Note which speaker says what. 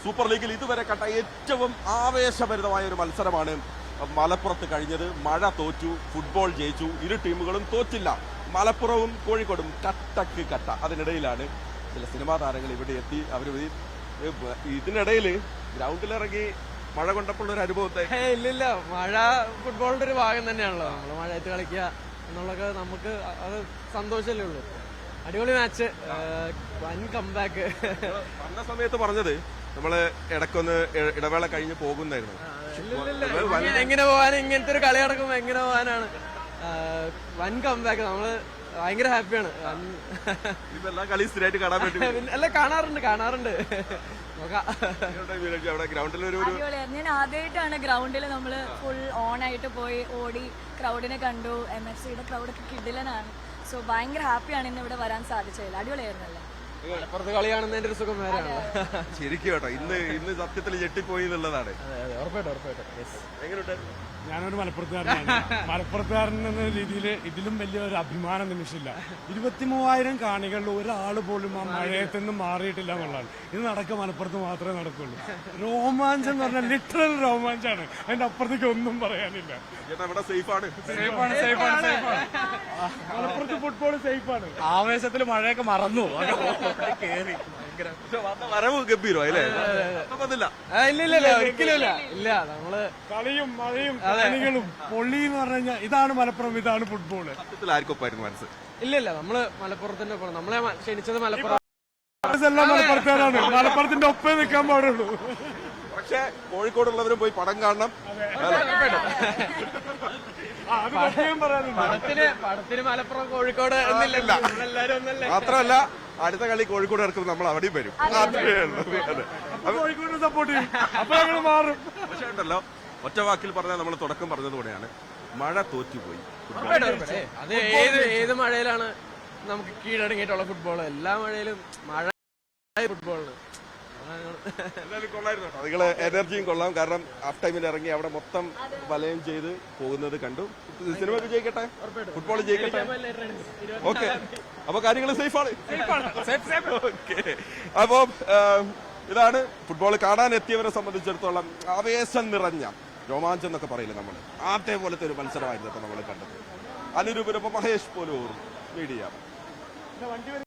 Speaker 1: Super ലീഗിൽ ഇതുവരെ കണ്ട ഏറ്റവും ആവേശഭരിതമായ ഒരു മത്സരമാണ് മലപ്പുറത്ത് കഴിഞ്ഞത്. മഴ തോറ്റു, ഫുട്ബോൾ ജയിച്ചു, ഇരു ടീമുകളും തോറ്റില്ല. മലപ്പുറവും കോഴിക്കോടും കട്ടക്ക് കട്ട. അതിനിടയിലാണ് ചില സിനിമാ താരങ്ങൾ ഇവിടെ എത്തി. അവർ ഇതിനിടയിൽ ഗ്രൗണ്ടിലിറങ്ങി മഴ കൊണ്ടപ്പോൾ ഒരു അനുഭവത്തെ
Speaker 2: ഇല്ലില്ല, മഴ ഫുട്ബോളിന്റെ ഒരു ഭാഗം തന്നെയാണല്ലോ. നമ്മൾ മഴയത്ത് കളിക്കുക എന്നുള്ളതൊക്കെ നമുക്ക് അത് സന്തോഷമല്ലേ ഉള്ളൂ. അടിപൊളി മാച്ച്, വൻ കംബാക്ക്.
Speaker 1: വന്ന സമയത്ത് പറഞ്ഞത് നമ്മള് ഇടയ്ക്കൊന്ന് ഇടവേള കഴിഞ്ഞ് പോകുന്നായിരുന്നു.
Speaker 2: എങ്ങനെ പോകാൻ, ഇങ്ങനത്തെ ഒരു കളി നടക്കുമ്പോ എങ്ങനെ പോകാനാണ്. വൻ കംബാക്ക്, നമ്മള് ഭയങ്കര ഹാപ്പിയാണ്.
Speaker 1: ഇതെല്ലാം കളി സ്ഥിരമായിട്ട് കാണാൻ വേണ്ടി
Speaker 2: അല്ല, കാണാറുണ്ട്.
Speaker 1: ഗ്രൗണ്ടിൽ
Speaker 3: ഞാൻ ആദ്യമായിട്ടാണ് ഗ്രൗണ്ടിൽ നമ്മള് ഫുൾ ഓൺ ആയിട്ട് പോയി ഓടി ക്രൗഡിനെ കണ്ടു. MFCയുടെ ക്രൗഡൊക്കെ കിടിലനാണ്. സോ ഭയങ്കര ഹാപ്പിയാണ് ഇന്ന് ഇവിടെ വരാൻ സാധിച്ചത്. അടിപൊളിയായിരുന്നല്ലേ.
Speaker 2: മലപ്പുറത്ത് കളി കാണുന്നതിന്റെ ഒരു സുഖം വേറെയാണ്.
Speaker 1: ശരിക്കും കേട്ടോ, ഇന്ന് സത്യത്തിൽ ഞെട്ടിപ്പോയി എന്നുള്ളതാണ്.
Speaker 4: ഞാനൊരു മലപ്പുറത്തുകാരനാണ്. മലപ്പുറത്തുകാരൻ എന്ന രീതിയിൽ ഇതിലും വലിയ ഒരു അഭിമാന നിമിഷമില്ല. 23,000 കാണികളിൽ ഒരാൾ പോലും ആ മഴയത്ത് നിന്ന് മാറിയിട്ടില്ല എന്നുള്ളതാണ്. ഇത് നടക്കുക മലപ്പുറത്ത് മാത്രമേ നടക്കുള്ളൂ. രോമാഞ്ചം എന്ന് പറഞ്ഞാൽ ലിറ്ററൽ രോമാഞ്ചാണ്. അതിന്റെ അപ്പുറത്തേക്ക് ഒന്നും പറയാനില്ല. മലപ്പുറത്ത് ഫുട്ബോൾ സേഫാണ്.
Speaker 2: ആവേശത്തിൽ മഴയൊക്കെ മറന്നു കേറി.
Speaker 1: വരവ് ഗംഭീരോ അല്ലേ?
Speaker 2: ഇല്ല, ഒരിക്കലും ഇല്ല. നമ്മള്
Speaker 4: കളിയും മഴയും കളികളും പൊള്ളി എന്ന് പറഞ്ഞു കഴിഞ്ഞാൽ ഇതാണ് മലപ്പുറം, ഇതാണ് ഫുട്ബോള്.
Speaker 1: സത്യത്തിൽ ആർക്കൊപ്പായിരുന്നു മനസ്സ്?
Speaker 2: ഇല്ല, നമ്മള് മലപ്പുറത്തിന്റെ ഒപ്പം. നമ്മളെ ക്ഷണിച്ചത് മലപ്പുറം.
Speaker 4: എല്ലാം മലപ്പുറത്തുകാരാണ്. മലപ്പുറത്തിന്റെ ഒപ്പേ നിൽക്കാൻ പാടുള്ളൂ.
Speaker 1: പക്ഷെ കോഴിക്കോടുള്ളവരും പോയി പടം കാണണം.
Speaker 2: പടത്തിന് മലപ്പുറം കോഴിക്കോട് എന്നില്ല, എല്ലാരും ഒന്നല്ലേ.
Speaker 1: മാത്രമല്ല അടുത്ത കളി കോഴിക്കോട് ഇറക്കുമ്പോൾ നമ്മൾ അവിടെയും വരും.
Speaker 4: കോഴിക്കോട് സപ്പോർട്ട് ചെയ്യും. അപ്പൊ ഞങ്ങൾ മാറും.
Speaker 1: പക്ഷെ ഉണ്ടല്ലോ, ഒറ്റ വാക്കിൽ പറഞ്ഞാൽ നമ്മൾ തുടക്കം പറഞ്ഞതുകൂടെയാണ്, മഴ തോറ്റുപോയി.
Speaker 2: അത് ഏത് മഴയിലാണ് നമുക്ക് കീഴടങ്ങിയിട്ടുള്ള ഫുട്ബോൾ? എല്ലാ മഴയിലും മഴ ഫുട്ബോളിന്
Speaker 1: നിങ്ങള് എനർജിയും കൊള്ളാം. കാരണം ഹാഫ് ടൈമിൽ ഇറങ്ങി അവിടെ മൊത്തം വലയം ചെയ്ത് പോകുന്നത് കണ്ടു. സിനിമ വിജയിക്കട്ടെ, ഫുട്ബോൾ ജയിക്കട്ടെ. ഓക്കെ, അപ്പൊ കാര്യങ്ങൾ സേഫാണ്. ഓക്കെ, അപ്പൊ ഇതാണ് ഫുട്ബോൾ കാണാൻ എത്തിയവരെ സംബന്ധിച്ചിടത്തോളം ആവേശം നിറഞ്ഞ രോമാഞ്ചം എന്നൊക്കെ പറയില്ല നമ്മൾ, അതേപോലത്തെ ഒരു മത്സരമായിരുന്നു നമ്മൾ കണ്ടത്. അനുരൂപരൊപ്പം മഹേഷ് പോലൂർ, മീഡിയ.